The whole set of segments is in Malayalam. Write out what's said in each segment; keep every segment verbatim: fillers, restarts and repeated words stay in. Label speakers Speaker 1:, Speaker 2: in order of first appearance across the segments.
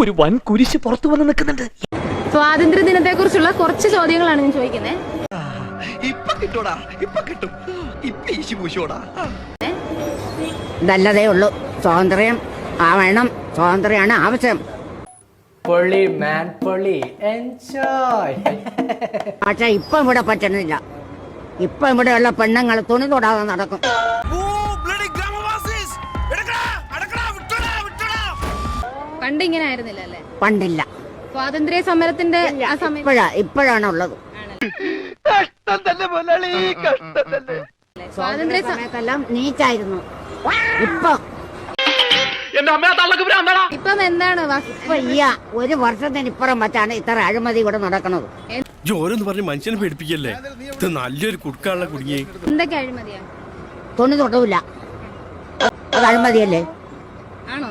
Speaker 1: ഒരു വൻ കുരിശ് പുറത്തു വന്ന് നിൽക്കുന്നുണ്ട്.
Speaker 2: സ്വാതന്ത്ര്യ ദിനത്തെ കുറിച്ചുള്ള കുറച്ച് ചോദ്യങ്ങളാണ് ഞാൻ ചോദിക്കുന്നത്.
Speaker 1: ഇപ്പൊ കിട്ടൂടാ, ഇപ്പൊ കിട്ടും. ഇപ്പൊ ഈശി പൂശോടാ.
Speaker 3: നല്ലതേ ഉള്ളൂ. സ്വാതന്ത്ര്യം ആവണം, സ്വാതന്ത്ര്യമാണ് ആവശ്യം.
Speaker 4: പൊളി മാൻ പൊളി, എൻജോയ്.
Speaker 3: പക്ഷെ ഇപ്പൊ ഇവിടെ പറ്റണില്ല. ഇപ്പൊ ഇവിടെയുള്ള പെണ്ണുങ്ങൾ തുണി തൊടാതെ നടക്കും.
Speaker 2: പണ്ട് ഇങ്ങനെ ആയിരുന്നില്ല അല്ലേ?
Speaker 3: പണ്ടില്ല.
Speaker 2: സ്വാതന്ത്ര്യ സമരത്തിന്റെ ആ സമയം
Speaker 3: ഇപ്പോഴാ ഇപ്പോഴാണ് ഉള്ളത്.
Speaker 2: സ്വാതന്ത്ര്യ സ-
Speaker 3: സമയത്തെല്ലാം നീച്ചായിരുന്നു. ഇപ്പൊ
Speaker 2: ഇപ്പം എന്താണ് വാസു-
Speaker 3: ഇപ്പൊ ഈ ഒരു വർഷത്തിന് ഇപ്പുറം വച്ചാണ് ഇത്ര അഴിമതി ഇവിടെ നടക്കുന്നത്.
Speaker 5: ജോരെന്ന് പറഞ്ഞ് മനുഷ്യനെ പേടിപ്പിക്കല്ലേ. ഇത് നല്ലൊരു കുടുക്കാനുള്ള കുടുങ്ങി.
Speaker 2: എന്തൊക്കെ അഴിമതിയാ?
Speaker 3: തുണി തൊടൂല, അത് അഴിമതിയല്ലേ?
Speaker 2: ആണോ?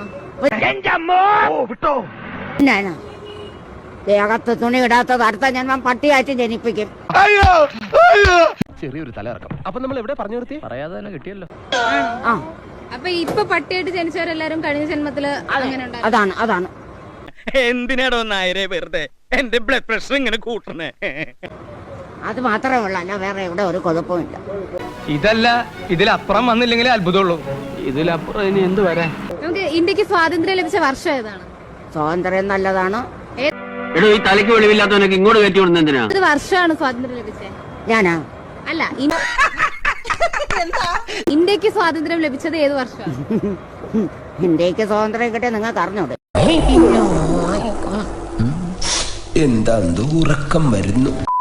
Speaker 3: പിന്നാണ് ദേഹത്ത് തുണി ഇടാത്തത് അടുത്ത ജന്മം പട്ടിയായിട്ട് ജനിപ്പിക്കും.
Speaker 1: ചെറിയൊരു തലയിറക്കം. അപ്പൊ നമ്മൾ എവിടെ പറഞ്ഞു നിർത്തി? പറയാതെ തന്നെ കിട്ടിയല്ലോ.
Speaker 3: ആ
Speaker 2: അപ്പൊ ഇപ്പൊ പട്ടിയായിട്ട് ജനിച്ചവരെല്ലാരും കഴിഞ്ഞ ജന്മത്തില് അങ്ങനെ ഉണ്ടായിരുന്നു.
Speaker 3: അതാണ് അതാണ്
Speaker 1: എന്തിനാടോ നായരെ വെറുതെ എന്റെ ബ്ലഡ് പ്രഷർ ഇങ്ങനെ കൂട്ടണേ?
Speaker 3: അത് മാത്രമേ ഉള്ളൂ, അല്ല വേറെ ഇവിടെ ഒരു കുഴപ്പമില്ല.
Speaker 6: ഇതല്ല, ഇതിലപ്പുറം വന്നില്ലെങ്കിലേ അത്ഭുതമുള്ളൂ. ഇതിലപ്പുറം ഇനി എന്ത് വരാൻ?
Speaker 2: നമുക്ക് ഇന്ത്യക്ക് സ്വാതന്ത്ര്യം ലഭിച്ച വർഷം ഏതാണ്?
Speaker 3: സ്വാതന്ത്ര്യം നല്ലതാണ്.
Speaker 7: എടോ, ഈ തലയ്ക്ക് വെളിവില്ലാത്തവനൊക്കെ ഇങ്ങോട്ട് കയറ്റി വിടുന്ന എന്തിനാ?
Speaker 2: ഏത് വർഷമാണ് സ്വാതന്ത്ര്യം ലഭിച്ചത്?
Speaker 3: ഞാനാ
Speaker 2: അല്ല, ഇൻ- ഇന്ത്യക്ക് സ്വാതന്ത്ര്യം ലഭിച്ചത് ഏത് വർഷമാണ്?
Speaker 3: ഇന്ത്യക്ക് സ്വാതന്ത്ര്യം കിട്ടിയ നിങ്ങൾക്ക് അറിഞ്ഞൂടെ?
Speaker 8: എന്താ ഉറക്കം വരുന്നു.